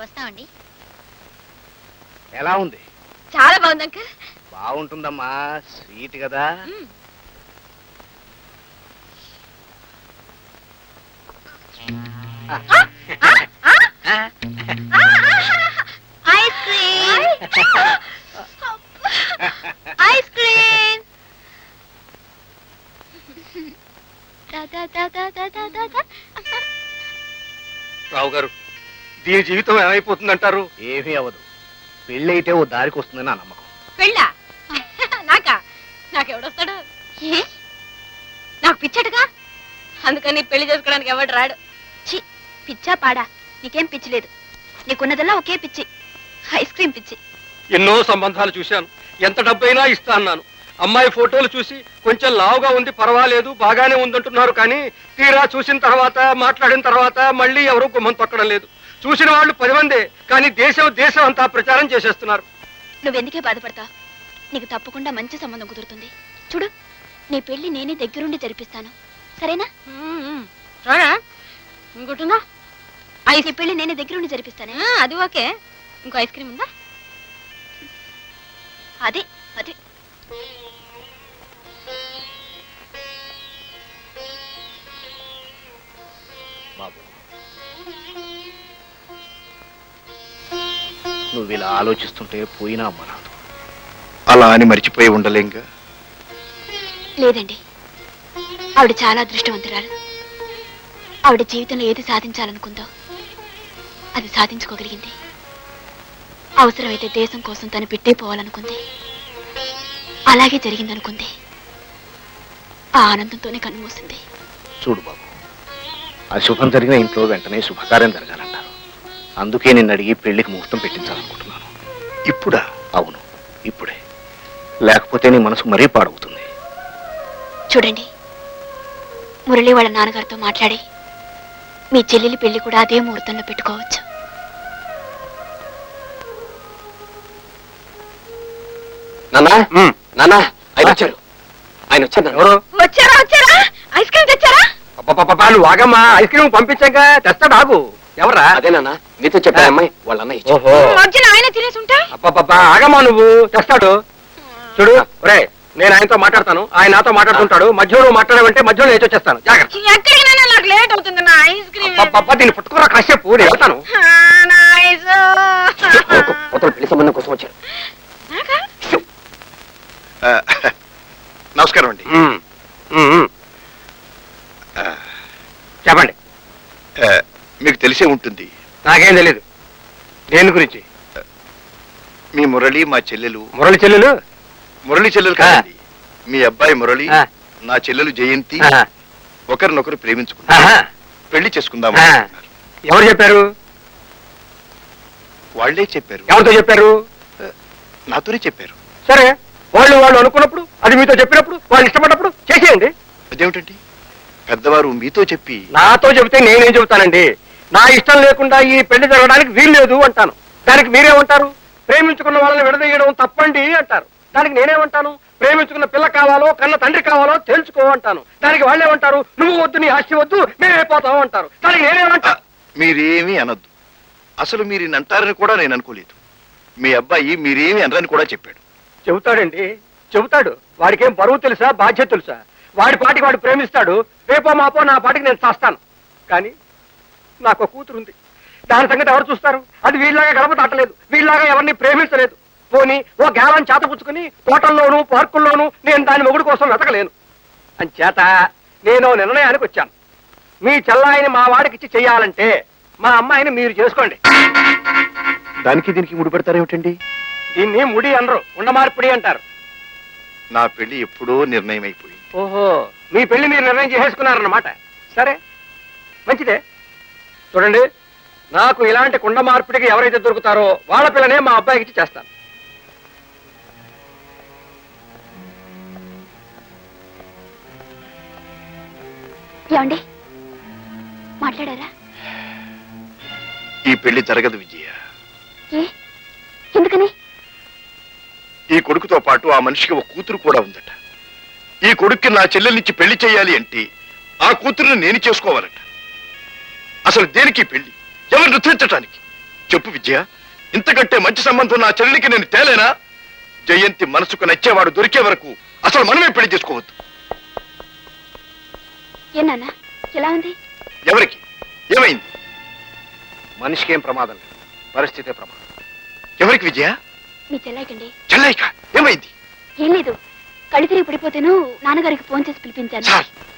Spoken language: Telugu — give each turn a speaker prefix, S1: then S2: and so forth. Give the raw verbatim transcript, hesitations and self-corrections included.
S1: వస్తామండి.
S2: ఎలా ఉంది?
S1: చాలా బాగుంది అంకుల్.
S2: బాగుంటుందమ్మా, స్వీట్ కదా.
S1: Ice cream, ice cream.
S3: Rao garu, దీని జీవితం ఏమైపోతుందంటారు?
S2: ఏమీ అవదు. పెళ్ళి అయితే ఓ దారికి వస్తుందని నా నమ్మకం.
S1: పెళ్ళా? నాకా? నాకెవడొస్తాడు? ఏ నాకు పిచ్చటగా, అందుకని పెళ్లి చేసుకోవడానికి ఎవడు రాడు. చి, పిచ్చా పాడా? నీకేం పిచ్చి లేదు. నీకున్నదల్లా ఒకే పిచ్చి, ఐస్ క్రీమ్ పిచ్చి.
S3: ఎన్నో సంబంధాలు చూశాను, ఎంత డబ్బైనా ఇస్తా అన్నాను. అమ్మాయి ఫోటోలు చూసి కొంచెం లావుగా ఉంది, పర్వాలేదు, బాగానే ఉందంటున్నారు. కానీ తీరా చూసిన తర్వాత, మాట్లాడిన తర్వాత మళ్ళీ ఎవరూ గుమ్మం తొక్కడం లేదు. చూసిన వాళ్ళు పది మందే, కానీ దేశం దేశం అంతా ప్రచారం చేసేస్తున్నారు.
S1: నువ్వెందుకే బాధపడతావు? నీకు తప్పకుండా మంచి సంబంధం కుదురుతుంది. చూడు, నీ పెళ్లి నేనే దగ్గరుండి జరిపిస్తాను, సరేనా? ఇంకోటిందా? ఐస్ పెళ్లి నేనే దగ్గరుండి జరిపిస్తానే. అది ఓకే. ఇంకో ఐస్ క్రీమ్ ఉందా? అదే అదే.
S2: బాబు, నువ్వు ఇలా ఆలోచిస్తుంటే పోయినా అమ్మ రాదు.
S4: అలా అని మర్చిపోయి ఉండలేంగా?
S1: లేదండి, ఆవిడ చాలా అదృష్టవంతురాలు. ఆవిడ జీవితంలో ఏది సాధించాలనుకుందో అది సాధించుకోగలిగింది. అవసరమైతే దేశం కోసం తను పెట్టేపోవాలనుకుంది, అలాగే జరిగిందనుకుంది. ఆ ఆనందంతోనే కన్నుమూసింది.
S2: చూడు బాబు, అశుభం జరిగిన ఇంట్లో వెంటనే శుభకార్యం జరగాలంటారు. అందుకే నిన్ను అడిగి పెళ్లికి ముహూర్తం పెట్టించాలనుకుంటున్నాను.
S4: ఇప్పుడా?
S2: అవును, ఇప్పుడే. లేకపోతే నీ మనసు మరీ పాడవుతుంది.
S1: చూడండి, మురళి వాళ్ళ నాన్నగారితో మాట్లాడి మీ చెల్లెలి పెళ్లి కూడా అదే ముహూర్తంలో పెట్టుకోవచ్చు.
S3: నాన్నా, నాన్నా, ఆయన వచ్చారు. ఆయన వచ్చారు. ఎవరు
S1: వచ్చారా? వచ్చారా? ఐస్ క్రీమ్ తెచ్చారా?
S3: నువ్వు ఆగమ్మా, ఐస్ క్రీమ్ పంపించాక తెస్తాడు. ఆగు. ఎవరా? అదేనా నీతో చెప్పా అమ్మాయి వాళ్ళ అన్నయ్య.
S1: ఆయన తినేసి ఉంటా.
S3: అబ్బా, ఆగమ్మా, నువ్వు తెస్తాడు. చూడు రే, నేను ఆయనతో మాట్లాడతాను, ఆయన నాతో మాట్లాడుతుంటాడు. మధ్యలో నువ్వు మాట్లాడమంటే మధ్యలో నేను వచ్చేస్తాను. జాగ్రత్త.
S1: ఎక్కడికైనా నాకు లేట్ అవుతుంది. నా ఐస్ క్రీమ్
S3: దీన్ని పుట్టుకురా కాసేపు, నేను వెళ్తాను. పెళ్లి సంబంధం కోసం వచ్చారు.
S4: నమస్కారం అండి.
S3: చెప్పండి.
S4: మీకు తెలిసే ఉంటుంది.
S3: నాకేం తెలీదు దేని గురించి.
S4: మీ మురళి మా చెల్లెలు.
S3: మురళి చెల్లెలు?
S4: మురళి చెల్లెలు కాదండి, మీ అబ్బాయి మురళి, నా చెల్లెలు జయంతి ఒకరినొకరు ప్రేమించుకున్నా పెళ్లి చేసుకుందాం.
S3: ఎవరు చెప్పారు?
S4: వాళ్లే చెప్పారు.
S3: ఎవరితో చెప్పారు?
S4: నాతోనే చెప్పారు.
S3: సరే, వాళ్ళు వాళ్ళు అనుకున్నప్పుడు, అది మీతో చెప్పినప్పుడు, వాళ్ళు ఇష్టపడినప్పుడు చేసేయండి.
S4: అదేమిటండి, పెద్దవారు మీతో చెప్పి
S3: నాతో చెబితే నేనేం చెబుతానండి? నా ఇష్టం లేకుండా ఈ పెళ్లి జరగడానికి వీలు లేదు అంటాను. దానికి మీరేమంటారు? ప్రేమించుకున్న వాళ్ళని విడదీయడం తప్పండి అంటారు. దానికి నేనేమంటాను? ప్రేమించుకున్న పిల్ల కావాలో కన్న తండ్రి కావాలో తెలుసుకో అంటాను. దానికి వాళ్ళేమంటారు? నువ్వు వద్దు, నీ ఆస్తి వద్దు, మేమైపోతావు అంటారు. దానికి నేనేమంటా?
S4: మీరేమీ అనొద్దు. అసలు మీరు అంటారని కూడా నేను అనుకోలేదు. మీ అబ్బాయి మీరేమి అనరని కూడా చెప్పాడు.
S3: చెబుతాడండి, చెబుతాడు. వాడికేం బరువు తెలుసా, బాధ్యత తెలుసా? వాడి పాటికి వాడు ప్రేమిస్తాడు. రేపో మాపో నా పాటికి నేను చేస్తాను. కానీ నాకు కూతురుంది, దాని సంగతి ఎవరు చూస్తారు? అది వీళ్ళలాగా గడప దాటలేదు, వీళ్ళలాగా ఎవరిని ప్రేమించలేదు. పోనీ ఓ గ్యాలం చేతపుచ్చుకుని తోటల్లోనూ పార్కుల్లోనూ నేను దాని మొగుడు కోసం వెతకలేను. అంచేత నేను నిర్ణయానికి వచ్చాను. మీ చెల్లాయిని మా వాడికిచ్చి చెయ్యాలంటే మా అమ్మాయిని మీరు చేసుకోండి.
S4: దానికి దీనికి ముడి పెడతారేమిటండి?
S3: దీన్ని ముడి అనరు, ఉండమార్పిడి అంటారు.
S4: నా పెళ్లి ఎప్పుడో నిర్ణయం అయిపోయింది.
S3: ఓహో, మీ పెళ్లి మీరు నిర్ణయం చేసేసుకున్నారన్నమాట. సరే, మంచిదే. చూడండి, నాకు ఇలాంటి కుండ మార్పిడికి ఎవరైతే దొరుకుతారో వాళ్ళ పిల్లనే మా అబ్బాయికి ఇచ్చి చేస్తాను.
S1: ఏమండి, మాట్లాడారా?
S4: ఈ పెళ్లి జరగదు విజయ.
S1: ఎందుకని?
S4: ఈ కొడుకుతో పాటు ఆ మనిషికి ఒక కూతురు కూడా ఉందట. ఈ కొడుక్కి నా చెల్లెల్నిచ్చి పెళ్లి చేయాలి అంటే ఆ కూతురుని నేను చేసుకోవాలట. అసలు దేనికి పెళ్లి? ఎవరు నృత్యించటానికి? చెప్పు విజయ, ఇంతకంటే మంచి సంబంధం నా చెల్లెలికి నేను తేలేనా? జయంతి మనసుకు నచ్చేవాడు దొరికే వరకు అసలు మనమే పెళ్లి చేసుకోవద్దు.
S1: ఏ నాన్న ఎలా ఉంది?
S4: ఎవరికి ఏమైంది?
S2: మనిషికి ఏం ప్రమాదం లేదు, పరిస్థితే ప్రమాదం.
S4: ఎవరికి విజయ?
S1: మీ చెల్లాయికండి.
S4: చెల్లైక ఏమైంది?
S1: ఏం లేదు, కళ్ళు తిరిగి పడిపోతేను నాన్నగారికి ఫోన్ చేసి పిలిపించాను.
S4: సార్